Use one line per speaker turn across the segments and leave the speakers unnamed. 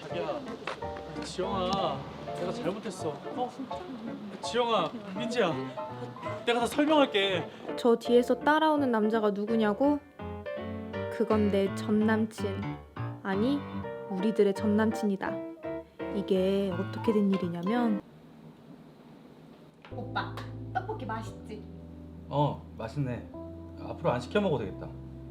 자기야, 지영아, 내가 잘못했어. 지영아, 민지야, 내가 다 설명할게.
저 뒤에서 따라오는 남자가 누구냐고? 그건 내 전남친. 아니, 우리들의 전남친이다. 이게 어떻게 된 일이냐면 오빠, 떡볶이 맛있지?
맛있네. 앞으로 안 시켜 먹어도 되겠다.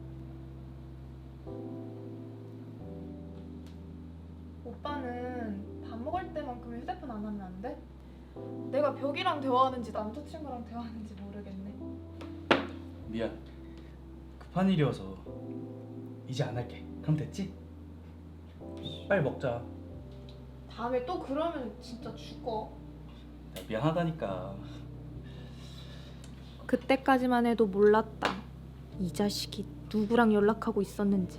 오빠는 밥 먹을 때만큼 휴대폰 안 하면 안 돼? 내가 벽이랑 대화하는지 남자친구랑 대화하는지 모르겠네.
미안. 급한 일이어서 이제 안 할게. 그럼 됐지? 빨리 먹자.
다음에 또 그러면 진짜 죽어.
미안하다니까.
그때까지만 해도 몰랐다. 이 자식이 누구랑 연락하고 있었는지.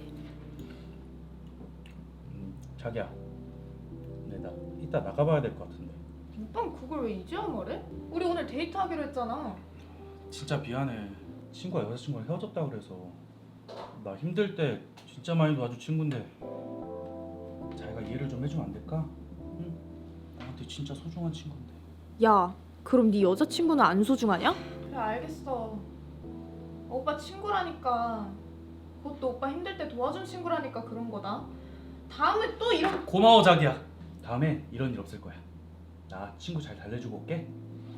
자기야, 근데 나 이따 나가봐야 될 것 같은데.
오빠는 그걸 왜 이제야 말해? 우리 오늘 데이트하기로 했잖아.
진짜 미안해. 친구가 여자친구랑 헤어졌다 그래서 나 힘들 때 진짜 많이 도와준 친구인데 자기가 이해를 좀 해주면 안 될까? 응? 나한테 진짜 소중한 친구인데.
야, 그럼 네 여자친구는 안 소중하냐? 그래, 알겠어. 오빠 친구라니까. 그것도 오빠 힘들 때 도와준 친구라니까 그런 거다. 다음에 또 이런...
고마워 자기야. 다음에 이런 일 없을 거야. 나 친구 잘 달래주고 올게.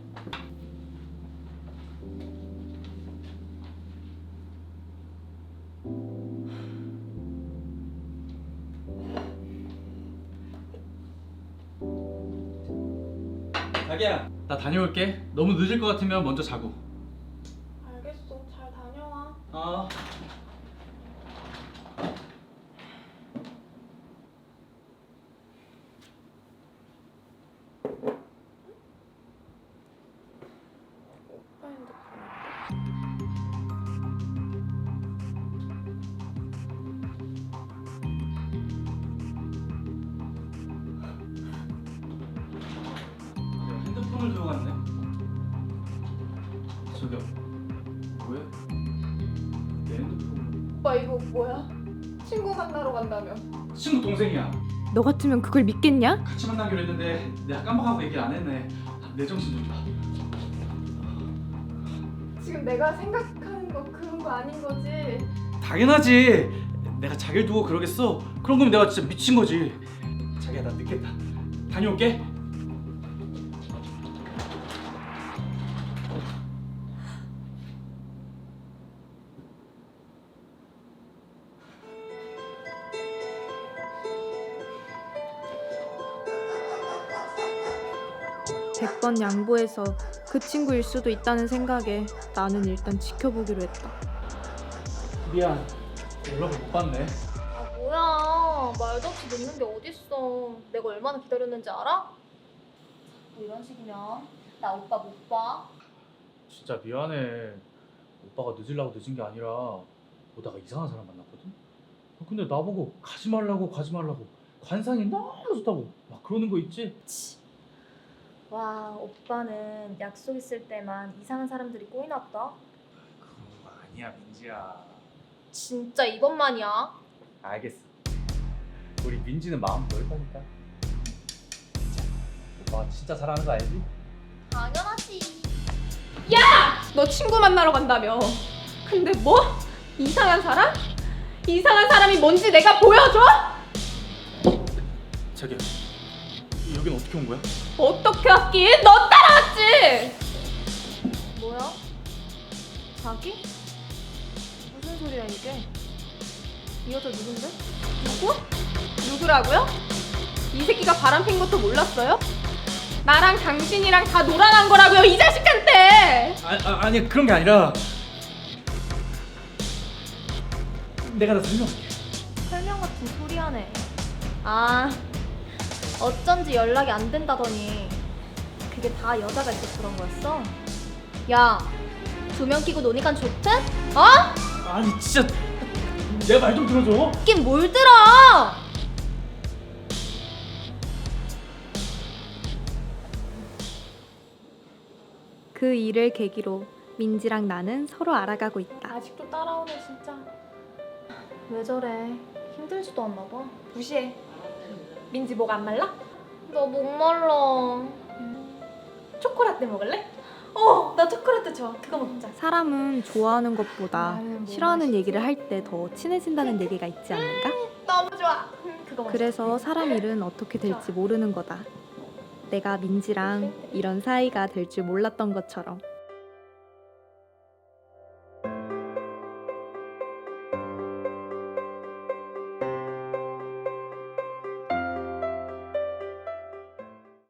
자기야, 나 다녀올게. 너무 늦을 것 같으면 먼저 자고.
알겠어, 잘 다녀와.
어.
오빠 핸드폰.
내가 핸드폰을 들고 갔네. 저기요. 왜? 내 핸드폰.
오빠 이거 뭐야? 친구 만나러 간다며.
친구 동생이야.
너 같으면 그걸 믿겠냐?
같이 만나기로 했는데 내가 깜빡하고 얘기 안 했네. 내 정신 좀 봐.
지금 내가 생각하는 거 그런 거 아닌 거지?
당연하지. 내가 자기를 두고 그러겠어? 그런 거면 내가 진짜 미친 거지. 자기야, 나 늦겠다. 다녀올게.
백 번 양보해서 그 친구일 수도 있다는 생각에 나는 일단 지켜보기로 했다.
미안. 연락을 못 받네.
아 뭐야, 말도 없이 늦는 게 어딨어. 내가 얼마나 기다렸는지 알아? 뭐 이런 식이면 나 오빠 못 봐.
진짜 미안해. 오빠가 늦으려고 늦은 게 아니라 보다가 이상한 사람 만났거든. 근데 나보고 가지 말라고 관상이 너무 좋다고 막 그러는 거 있지?
와, 오빠는 약속 있을 때만 이상한 사람들이 꼬이나 보다.
그런 거 아니야, 민지야.
진짜 이것만이야.
알겠어. 우리 민지는 마음 넓다니까. 오빠가 진짜 사랑하는 거 알지?
당연하지.
너 친구 만나러 간다며. 근데 뭐? 이상한 사람? 이상한 사람이 뭔지 내가 보여줘?
자기야, 여긴 어떻게 온 거야?
어떻게 왔긴? 너 따라왔지!
뭐야?
자기? 무슨 소리야 이게? 이 여자 누군데? 누구? 누구라고요? 이 새끼가 바람핀 것도 몰랐어요? 나랑 당신이랑 다 놀아난 거라고요, 이 자식한테!
아니 그런 게 아니라 내가 다 설명할게.
설명 같은 소리 하네. 아, 어쩐지 연락이 안 된다더니 그게 다 여자가 있어서 그런 거였어? 야, 두 명 끼고 노니까 좋대? 어?
아니 진짜 내 말 좀 들어줘.
있긴 뭘 들어!
그 일을 계기로 민지랑 나는 서로 알아가고 있다.
아직도 따라오네 진짜. 왜 저래? 힘들지도 않나 봐.
무시해. 민지 목 안 말라?
너 목말라.
초코라떼 먹을래? 나 초코라떼 좋아. 그거 먹자.
사람은 좋아하는 것보다
나는 뭐
싫어하는
맛있지?
얘기를 할 때 더 친해진다는 얘기가 있지 않는가?
너무 좋아. 그거 먹자.
그래서 사람 일은 어떻게 될지 모르는 거다. 내가 민지랑 이런 사이가 될 줄 몰랐던 것처럼.